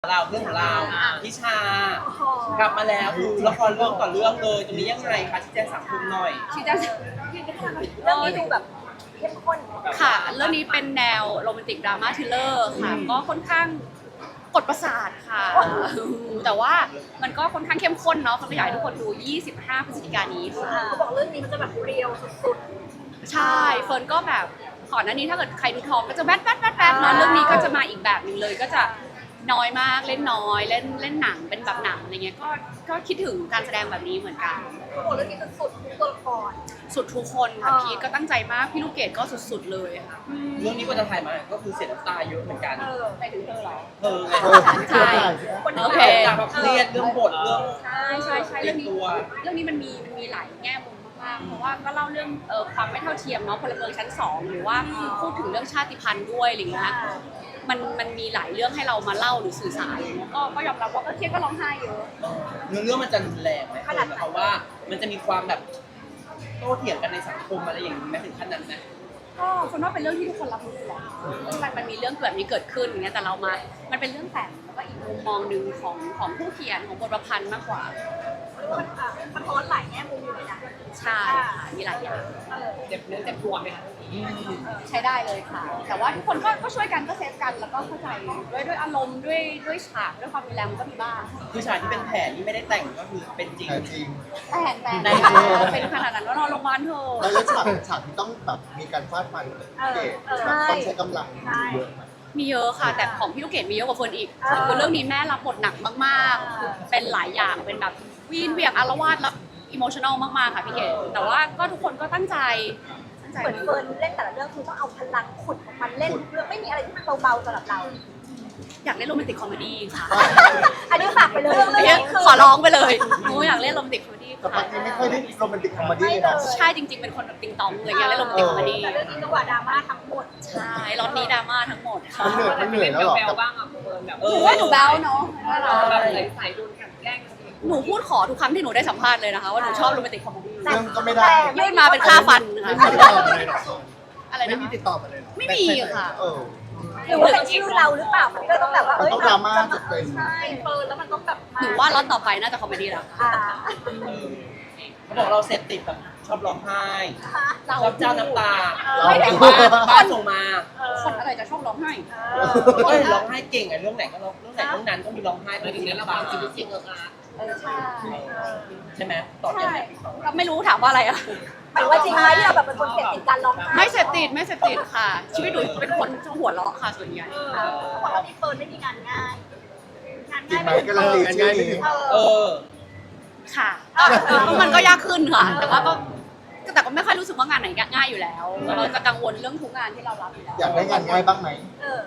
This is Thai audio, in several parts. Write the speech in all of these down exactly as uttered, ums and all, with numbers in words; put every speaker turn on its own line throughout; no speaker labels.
เราเรื่องของเราพิชากลับมาแล้วคือละครเรื่องต่อเรื่องเลยตรงนี้ยังไงคะชี้แจงสังคมหน่อย
ชี้แจง
เรื่องนี้ดูแบบเข้มข้น
ค่ะเรื่องนี้เป็นแนวโรแมนติกดราม่าทริลเลอร์ค่ะก็ค่อนข้างกดประสาทค่ะแต่ว่ามันก็ค่อนข้างเข้มข้นเนาะเขาอยากให้ทุกคนดูยี่สิบห้าพฤศจิกายนนี้ค่ะ
เขาบอกเรื่องนี้มันจะแบบเรียวสุด
ใช่เฟิร์นก็แบบก่อนหน้านี้ถ้าเกิดใครดูทองก็จะแวดแวดแวดแวดเนอะเรื่องนี้ก็จะมาอีกแบบหนึงเลยก็จะน้อยมากเล่นน้อยเล่นเล่นหนังเป็นแบบหนังอะไรเงี้ยก็ก็คิดถึงการแสดงแบบนี้เหมือนกัน
ๆเขาบอกเรื่องนี้มันสุดทุกตัวละคร
สุดทุกคนค่ะ
อ่า
พีทก็ตั้งใจมากพี่ลูกเกดก็สุดๆเลยค่ะ
เรื่องนี้ก็จะถ่ายมาก็คือเสียน้ำตาเยอะเหมือนกัน
เออ
ไปถึงเธอเหรอ
เธอไง
ใช่
คน
โอเค
จากแบบเครียดเรื่องบทเรื่อง
ใช่ใช่ใช่เรื่องนี้
ตัว
เรื่องนี้มันมีมันมีหลายแง่มุมมากๆเพราะว่าก็เล่าเรื่องเอ่อความไม่เท่าเทียมเนาะพลเมืองชั้นสองหรือว่าพูดถึงเรื่องชาติพันธุ์ด้วยอะไรเงี้ยมันมันมีหลายเรื่องให้เรามาเล่าหรือสื่อสารอะไรเงี้ยก็ก็ยอมรับว่าก็เครียดก็ร้องไห้เยอะ
เนื้อเรื่องมันจะรุนแรงไหมเพราะว่ามันจะมีความแบบโต้เถียงกันในสังคมอะไรอย่างนี้ไหมถึงขั้นนั้นนะ
ก็คนว่าเป็นเรื่องที่ทุกคนรับรู้อยู่แล้วมันมันมีเรื่องแบบนี้เกิดขึ้นอย่างเงี้ยแต่เรามา มันเป็นเรื่องแต่งแล้วก็อีกมุมมองหนึ่งของของผู้เขียนของบทประพันธ์มากกว่า
มันอ่ะสะท้อนหลายแง่มุมอยู่เลยนะ
ใช่ค่ะมีหลายอย่าง
เออ
เจ็บเนื้อเจ็บตัวไหมคะ
ใช้ได้เลยค่ะ แต่ว่าทุกคนก็ก็ช่วยกันก็เซฟกันแล้วก็เข้าใจด้วยด้วยอารมณ์ด้วยด้วยฉากด้วยความรุนแรงมันก็มีบ้าง
คือฉากที่เป็นแผนที่ไม่ได้แต่งก็คือเป็นจริง
แต่จริง
แต่แต่เป็นขนาดนั้นว่านอนโรงพยาบาลเถอะ
แล้วฉากฉากที่ต้องแบบมีการฟาดฟันเกตแบบต้องใช้กำลังเยอะไหม
มีเยอะค่ะ แต่ของพี่ลูกเกดมีเยอะกว่าเฟิร์นอีกคือเรื่องนี้แม่รับบทหนักมากๆ เป็นหลายอย่างเป็นแบบวีนเวียงอารวาสแล้วอิโมชั่นอลมากๆค่ะพี่เกดแต่ว่าก็ทุกคนก็ตั้งใจตั้งใจ
เหมือนเฟิร์นเล่นแต่ละเรื่องคือต้องเอาพลังขุดของมันเล่นเรื่องไม่มีอะไรที่มันเบาๆสำหรับเรา
อยากเล่นโรแมนติกคอมเมดี้ค่ะ
อันนี้ฝากไปเลยเรื่อง
เนี่ย
นี้คือ
ขอร้องไปเลยหนูอยากเล่นโรแมนติกคอมเมดี้
แต่ป
ค่ะ
กติไม่ค่อยได้โรแมนติกคอมเมดี้เลยนะ
ใช่จริงๆเป็นคนแบบติงตองเลยอยากเล่นโรแมนติกคอมเมดี้
แต่เรื่องนี้จังหวะดราม่าทั้งหมด
ใช่รอบนี้ดราม่าทั้งหมดค่ะ
มันเหนื่อยมันเหนื่อยแล้วเหรอ
แบ
กั
ล
บ
บ้างอ่ะเฟิร์นแบบ
เอ
ห
อ
นูว่าหนูแบลเนาะว่าเรา
แบบใส่โดนกันแกล้งกันเอง
หนูพูดขอทุกครั้งที่หนูได้สัมภาษณ์เลยนะคะว่าหนูชอบโรแมนติกคอมเมดี้
เรื่องก็ไม่ได้
ยื่นมาเป็นค่าฟันนะ
ไม่
คะ
มีติดต่อมาเลยเหรอ
อะไร
ไม่
นะ
มี
คะ
ติดต่อมาเลยเหรอ
ไม่มีค่ะ
เออ
หรือว่าเป็นชื่อเราหรือเปล่ามันก็ต้องแบบว่า
มันต้องดราม่าจุดเต็ม
ใช่เฟิร์นแล้วมันต้องแบบ
หนูว่าล็อตต่อไปน่าจะคอมเมดี้แล้วค่ะ
อ่า
เขาบอกเราเสพติดแบบชอบร้องไห้ชอบเจ้าน้ำตา
เรา
ไม่ได้
บ้านบ้านส่งมา
คนอะไรจะชอบร้องไห้
เอ้ยร้องไห้เก่งอะเรื่องไหนก็ร้องเรื่องไหนเรื่องนั้นก็มีร้องไห้
ไปถึงในระหว่างชีวิตจริงเอออาร์ต
เออใช่
ใช่ไหมตอบยัง
ใช่
ไง
ก็ไม่รู้ถามว่าอะไรอะ
หมายว่าจริงไหมที่เราแบบเป็นคนเสพติดการร้องไห้
ไม่เสพติดไม่เสพติดค่ะ ชีวิตหนูเป็นคนชอบหัวเราะค่ะส่วนใหญ่
เขาบอกว่าพี่เฟิร์นไม่มีงานง่าย งาน
จริ
ง่าง ย
ไหมก็ลังตีชื่อนี้
เอ
เอ
อ
อ
ค่ะก็มันก็ยากขึ้นค่ะ แต่ว่าก็แต่ก็ไม่ค่อยรู้สึกว่างานไหนง่ายอยู่แล้ว เราจะกังวลเรื่องทุกงานที่เรารับอยู่แล้ว
อยากได้งานง่ายบ้างไหม
เออง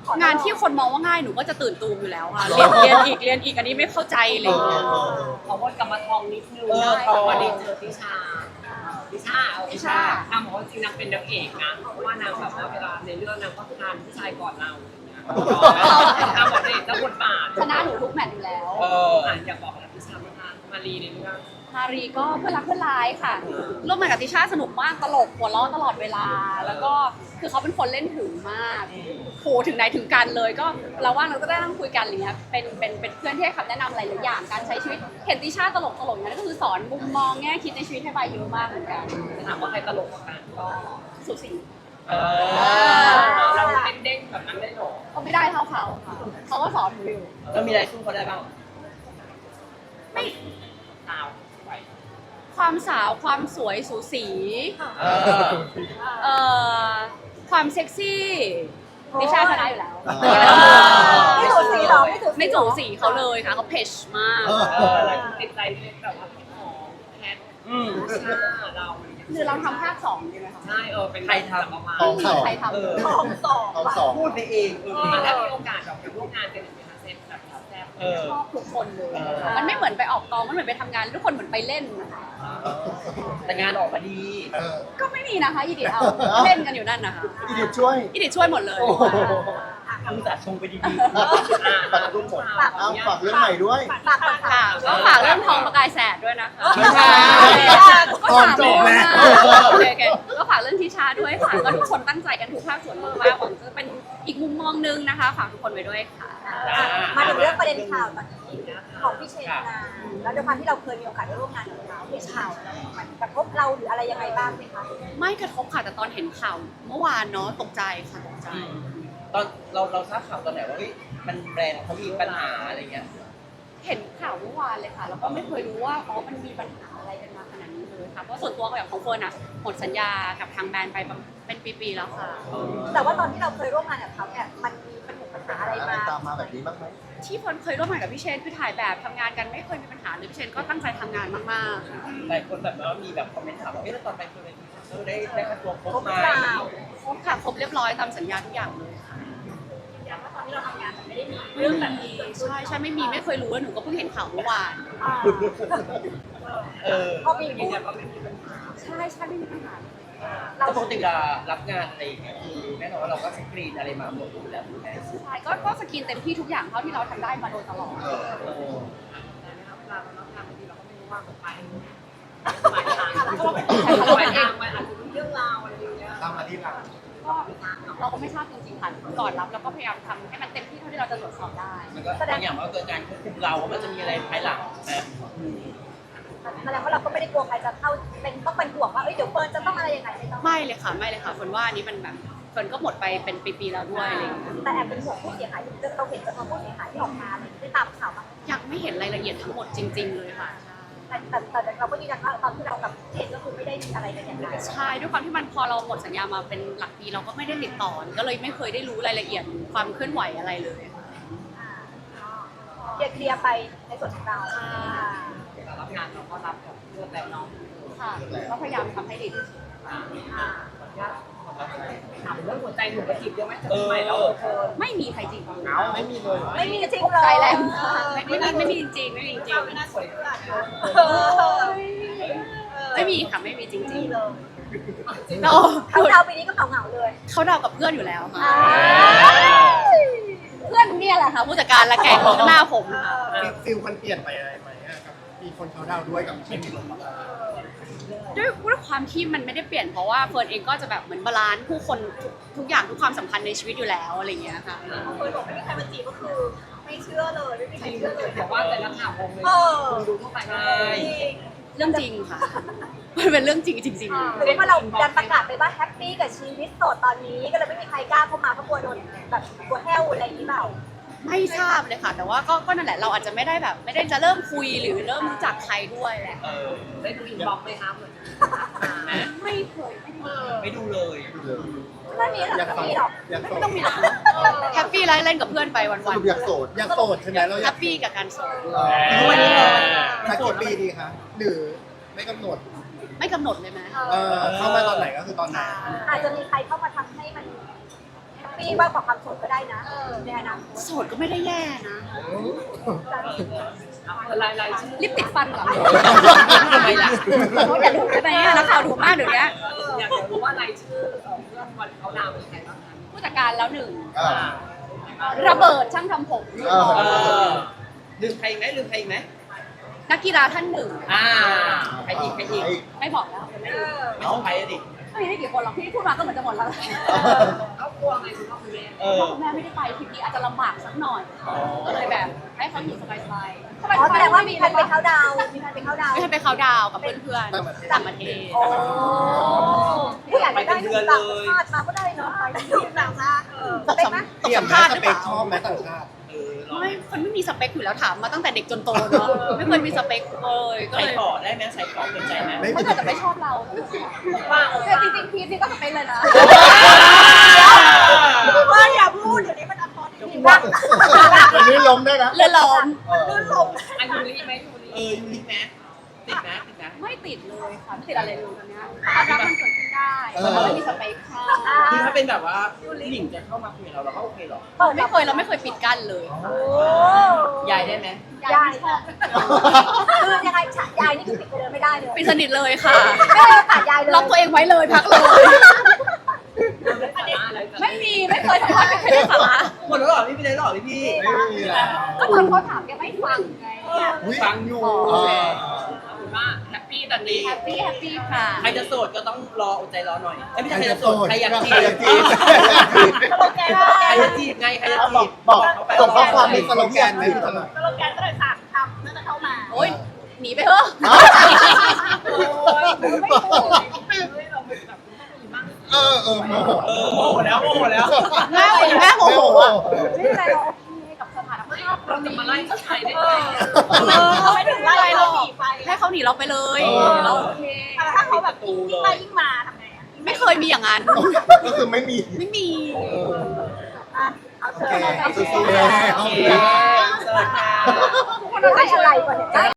านที่คนมองว่าง่ายหนูก็จะตื่นตูมอยู่แล้วค่ะ เรียนเรียนอีกเรียนอีกอันนี้ไม่เข้าใจอะไรอย่างเลย
ขอวนกลับมาทองนิดนึง
เออทอง
วันนี้เจอทิชาทิชาเอา
ทิชา
นางบอกว่าจริงนางเป็นนางเอกนะเพราะว่านางแบบว่าเวลาในเรื่องนางก็ทานผู้ชายก่อนเรานางบอกเด็กแล้วบทบาท
ชนะหนูทุกแมตช์อยู่แล้ว
เออ
อ่านอยากบอกอะไรทิชาบ้างคะมารีในเรื่อง
มารีก็เพื่อนรักเพื่อนร้ายค่ะร่วมงานกับติชาสนุกมากตลกหัวเราะตลอดเวลา แล้วก็คือเขาเป็นคนเล่นถึงมากโหถึงไหนถึงกันเลยก็เราว่างเราก็ได้นั่งคุยกันอะไรเงี้ยเป็นเป็นเป็นเพื่อนที่ให้คำแนะนำหลายๆอย่างการใช้ชีวิตเห็นติชาตลกตลกอย่างนั้นก็คือสอนมุมมองแง่คิดในชีวิตให้ใบเยอะมากเหมือนกัน
ถามว่าใครตลกกว่ากันก็
สุสี
เออ
เราเป็นเด้งแบบนั้นได้หรอ
ก็ไม่ได้เท่าเขาค่ะเขาก็สอนหนูอยู่
แล้วมีอะไรสู้เขาได้บ้าง
ไม่
สาวไป
ความสาวความสวยสูสี
เออ
เอ่อความเซ็กซี่ติชาชนะอยู่แล้ว
ไม่ถูกสีหรอไม่ถูก
ไม่จูสีเขาเลยค่ะเขาเพชมาก
เออ
เอออะไรติดใจในแบบว่าพี่หอมแพท
อืม
ชาเรา
หรือเราทำภาคสองดีไหมคะ
ใช่เออเป็น
ใครทำ
ประมาณ
ทองสอง
ใครทำ
เออ
ทองสอง
เอาสอง
พูดไปเองเออ
ถ้ามีโอกาสแบบไปร่วมงานกันอีกไหมคะเซตแบบแซ่บ
เออ
ชอบทุกคนเลย
เออ
มันไม่เหมือนไปออกกองมันเหมือนไปทำงานทุกคนเหมือนไปเล่นนะคะ
แต่งานออกมาดี
เออ
ก็ไม่มีนะคะอีดิทเอาเล่นกันอยู่นั่นนะคะ
อีเดียช่วย
อีดิทช่วยหมดเลย
โอ้โห
คุณสาชงไปดี
ปัดรุ่นหมดเอาฝากเรื่องใหม่ด้วย
ฝากฝาก
ค่ะก็ฝากเรื่องทองประกายแสดด้วยนะคะ
ไม่ใช่
ก็ฝาก
จบแล้ว
โอเคโอเคก็ฝากเรื่องทิชาด้วยค่ะก็ทุกคนตั้งใจกันทุกภาคส่วนมากๆหวังจะเป็นอีกมุมมองนึงนะคะฝากทุกคนไว้ด้วยค่ะ
มาถึงเรื่องเด็นข่าวตอนนี้ของพี่เชนนาแล้วด้วยความที่เราเคยมีโอกาสได้ร่วมงานกับเขาพี่ข่าวมันกระทบเราหรืออะไรยังไงบ้างไหมคะ
ไม่กระทบค่ะแต่ตอนเห็นข่าวเมื่อวานเนาะตกใจค่ะตกใจ
ตอนเราเราทราบข่าวตอนไหนว่าเฮ้ยมันแบรนด์เขามีปัญหาอะไรเงี้ย
เห็นข่าวเมื่อวานเลยค่ะแล้วก็ไม่เคยรู้ว่าอ๋อมันมีปัญหาอะไรกันมาขนาดนี้เลยค่ะเพราะส่วนตัวอย่างของเฟิร์นอ่ะหมดสัญญากับทางแบรนด์ไปเป็นปีๆแล้วค่ะ
แต่ว่าตอนที่เราเคยร่วมงานกับเขาเนี่ยมันมีปัญหาปัญหาอะไร
อะไร
มา
ตามมาแบบนี้บ้างไหม
ที่เฟิร์นเคยร่วมงานกับพี่เชนคือถ่ายแบบทำงานกันไม่เคยมีปัญหาเลยพี่เชนก็ตั้งใจทำงานมากๆค่ะ
หลายคนแบบว่ามีแบบคอมเมนต์ถามว่าเฮ้ยแล้วตอนไปคือเออได้ได้ค่าตัวครบ
ครบ
ไห
ห
ม
รือเปล่า
ครบค่ะครบเรียบร้อยตามสัญญาทุกอย่างเลยค่ะ
อย่างว่าตอนที่เราทำงานมันไม่ได้มี
เรื่องแบบนี้ใช่ใช่ไม่มีไม่เคยรู้แล้วหนูก็เพิ่งเห็นข่าวเมื่อวาน
อ่า
เออ
พอมี
ยื
พู
น
ด
ยันว่าไม่มีปัญหา
ใช่ใช่ไม่มีปัญหาเลย
เรา
แต่ปกติเวลารับงานอะไรอย่างเงี้ยคือแน่นอนว่าเราก็สกรีนอะไรมาหมดอยู่แล้วถูกไหม
ใช่ก็ก็สกินเต็มที่ทุกอย่างเท่าที่เราทำได้มาโดยตลอด
เออเออ
แต่นะครับเวลาเรารับงานบางทีเราก็ไม่รู้ว่ามันไปหมายทาง
แต่
หมาย
เราเอ
ทาง งมันอาจจะมีเรื่องราวอะไรอย่างเงี้ย
ตามมาที่หลัง
ก็เราก็ไม่ทราบจริงๆค่ะก่อนรับเราก็พยายามทำให้มันเต็มที่เท่าที่เราจะตรวจสอบได้
มันก็บางอย่างมันก็เกิดการควบคุมเราว่ามันจะมีอะไรภายหลังนะ
แสดงว่าเราก็ไม่ได้กลัวใครจะเข้าเป็นต้องเป็นห่วงว่าเอ้ยเดี๋ยวเฟิร์นจะต้องอะไรยังไงไม่ต้อง
ไม่เลยค่ะไม่เลยค่ะคนว่าอันนี้มันแบบคนก็หมดไปเป็นปีๆแล้วด้วยอะไรอย่างเงี้ย
แต่แอบเป็นห่วงผู้เสียหายเราเห็นจำนวนผู้เสียหายที่ออกมาเลยได้ตามข่าวมา
ยังไม่เห็นรายละเอียดทั้งหมดจริง ๆ เลยค่ะ
แต่แต่แต่เราก็ยืนยันว่าตอนที่เรากับเจนก็คือไม่ได้มีอะไรกันอย่างไร
ใช่ด้วยความที่มันพอเราหมดสัญญามาเป็นหลักปีเราก็ไม่ได้ติดต่อก็เลยไม่เคยได้รู้รายละเอียดความเคลื่อนไหวอะไรเลยค่ะ
เคลียร์เคลียร์ไปในส่วนของเรา
เรารับงานเราก็รับกับเพื่อนแต่น้อง
ค่ะก็พยายามทำให้ดีที่สุด
อ่าอ่าขออนุญาตถามเรื่องหัวใจหนูกระจิบเยอะไหมจะใหม่แล้วเฟิร์น
ไม่มีใครจริง
เอาไม่มีเลย
ไม่มีจริงเลย
ใจแรงมากไม่ไม่มีไม่มีจริงๆไม่มีจริง
ไม่น่าสวยเท่าไหร่นะ
ๆไม่มีค่ะไม่มีจริง
มีเลย
ๆเรา
เขาดาวปีนี้ก็เหงาเหงาๆเลย
เขาเดากับเพื่อนอยู่แล้วค่ะ
อ่า
เพื่อนเนี่ยแหละค่ะผู้จัดการและแกงข้างหน้าผมค่ะ
ฟิลมันเปลี่ยนไปอะไรไหมอะครับมีคนเขาดาวด้วยกับไม่มีคน
ด้วยด้วยความที่มันไม่ได้เปลี่ยนเพราะว่าเฟิร์นเองก็จะแบบเหมือนบาลานซ์ผู้คนทุกทุกอย่างทุกความสัมพันธ์ในชีวิตอยู่แล้วอะไรอย่างเงี้ยค่ะ
เฟิร์นบอกไม่มีใครมาจีบก็คือไม่เชื่อเลยไม่มีใครเชื่อเลย
แต่ว่าแต่ละข่าววงเลย
เออ
คุณดูทั่วไป
ใช่
เรื่องจริงค่ะ มันเป็นเรื่องจริงจริง
หรือว่าเราดันประกาศไปว่าแฮปปี้กับชีวิตโสดตอนนี้ก็เลยไม่มีใครกล้าเข้ามาเพราะกลัวโดนแบบกลัวแห้วอะไรอย่างนี้เปล่า
ๆไม่ทราบเลยค่ะ แต่ว่าก็ก็นั่นแหละเราอาจจะไม่ได้แบบ ไม่ได้จะเริ่มคุยหรือเริ่มรู้จักใครด้วยแหละ
เออ
ได้ดูอินบ็อกซ์ไหมคะเหมือน
ไม่เคยไม่เคย
ไม่ดูเลย
ไม่มีหรอก
อยาก
ไม่
โส
มี
ด
หรอก
อยากโส
ไม่
ด
ต้องมีหรอกแฮปปี้ไลฟ์เล่นกับเพื่อนไปวัน
สรุปอยากโสดอยากโสดใช่ไหมเราอ
ๆแฮ
ยาก
ปปี้กับการโสด
ทุกวันนี้เลย
สักกี่ปีดีคะหรือไม่กำหนด
ไม่กำหนดเลยไหม
เออเข้ามาตอนไหนก็คือตอนนั้น
อาจจะมีใครเข้ามาทำให้มันแฮปปี้มากกว่าความโสดก็ได้นะในอนาคต
โสดก็ไม่ได้แย่นะ
ลายลายชื่อ
รีบติดฟันเหรอ
ทำไมล่ะ
เขาอย่าดูได้ไหมนักข่าวดูมากเดี๋ยวนี้
อยากจะรู้ว่ารายชื่อเพื่อนวันเขาดาวเป็นใครบ้างคะ
ผู้จัดการแล้วหนึ่ง
อ่า
ระเบิดช่างทำผม
เออ
เออลืมใครอีกไหมลืมใครอีกไหม
นักกีฬาท่านหนึ่ง
อ่าใครอีกใครอีก
ไม่บอกแล้วไม่รู้
ไม่ต้องใครอะดิ
ไม่ได้กี่คนหรอกที่พูดมาก็เหมือนจะหมดแล้ว
เขากลัวไงคุณพ่อคุณแม่
เอ
พ่
อ
อคุณแม่ไม่ได้ไปทริปนี้อาจจะลำบากสักหน่อย ก็เลยแบบให้เขาอยู่สบายๆสบายๆ
อ๋อแสดงว่ามีใครไปเขาดาวน์มีใครไปเขาดาวน์
ไม่ใช่ไปเขาน์ดาวน์กับเพื่อนๆต่างประเทศ
โอ้ผู้อยากจะได้ดูต่างชาติมาก็ได้เนาะไปดูต่างชาติเออเป็นไหม
เตรียมไหมสเปคชอบไหมต่างชาติ
เออลอง
ไม่คนไม่มีสเปคอยู่แล้วถามมาตั้งแต่เด็กจนโตเนาะไม่เคยมีสเปคเลยก็
ใส่
เลย
ขอได้ไหมใส่ขอเป็นใจไหม
ไม่
ถ้า
มี
เกิดจะไม่ชอบเรา
ว่า
แต่จริงๆพีทนี่ก็สเปคเลยนะ
ว่าอย่าพูดเดี๋ยวนี้มันอัพพอร์ตจริงๆว่า
อันนี้ล้มได้นะ
เรือล้อม
ลื่นลม
อันยูริไหมยูริ
เออยูริไหมติดไหมติดไหม
ไม่ติดเลยค่ะไม่ติดอะไรเลยตอนเนี้ยความรักมันเกิดขึ้นได้แต่ว่าไม่มีสเปคค่ะ
คือถ้าเป็นแบบว่าผู้หญิงจะเข้ามาคุยกับเราเราก็โอเคหรอ
เปิด
ไม่เคยเราไม่เคยปิดกั้นเลย
โอ้
ยายได้ไหม
ยายคือยังไงฉะยายนี่คือปิดไปเลยไม่ได้เลย
ปิดสนิทเลยค่ะ
ไม่ได้โอกาสยายเลย
ล็อกตัวเองไว้เลยพักเลย
อะไร
ไม่มีไม่เคยทำอะไรไม่เคยได้สาระ
หมดแล้วเหรอพี่ไม่ได้หรอพี่พี่
ไม่มีแล้ว
ก็ตอนเขาถามแกไม่ฟังไง
อุ๊ย
ฟังอยู่
อ๋อ
เออ
เอาเป็นว่าแฮปปี้ตอนนี้
แฮปปี้แฮปปี้ค่ะ
ใครจะโสดก็ต้องรออดใจรอหน่อยเอ้ยไม่ใช่ใครจะโสดใครอยากจีบ
ใครอยากจีบ
สโลแกน
ใครจะจีบไงใครจะ
บ
จี
อก
บ
บอก
เขาไป
ส่งข้อความในสโลแกนไหมพี่ตลอด
สโลแกนก็เลยฝากทำน่าจะเข้ามา
โอ้ยหนีไปเถอะ
เออเออโมโห
เออโมโหแล้วโมโหแล้ว
แม่แม่โมโหอ่ะ
ไม่เป็นไรเราโอเคกับสถานภาพ
เราจะมาไล่ผู้ชายได้ไง
เออ
เราไม่ถึงไล่เราหนีไป
ให้เขาหนีเราไปเลยเราโอเค
ถ้าเขาแบบยิ่งไล่ยิ่งมาทำไงอ่ะ
ไม่เคยมีอย่างนั้น
ก็คือไม่มี
ไม่มี
อ่ะเอาเถ
โอ
อะ
เคสู้ๆแล้ว
โอเคเสิร์ฟค่ะ
ทุกคนอะไรก่อนเนี่ย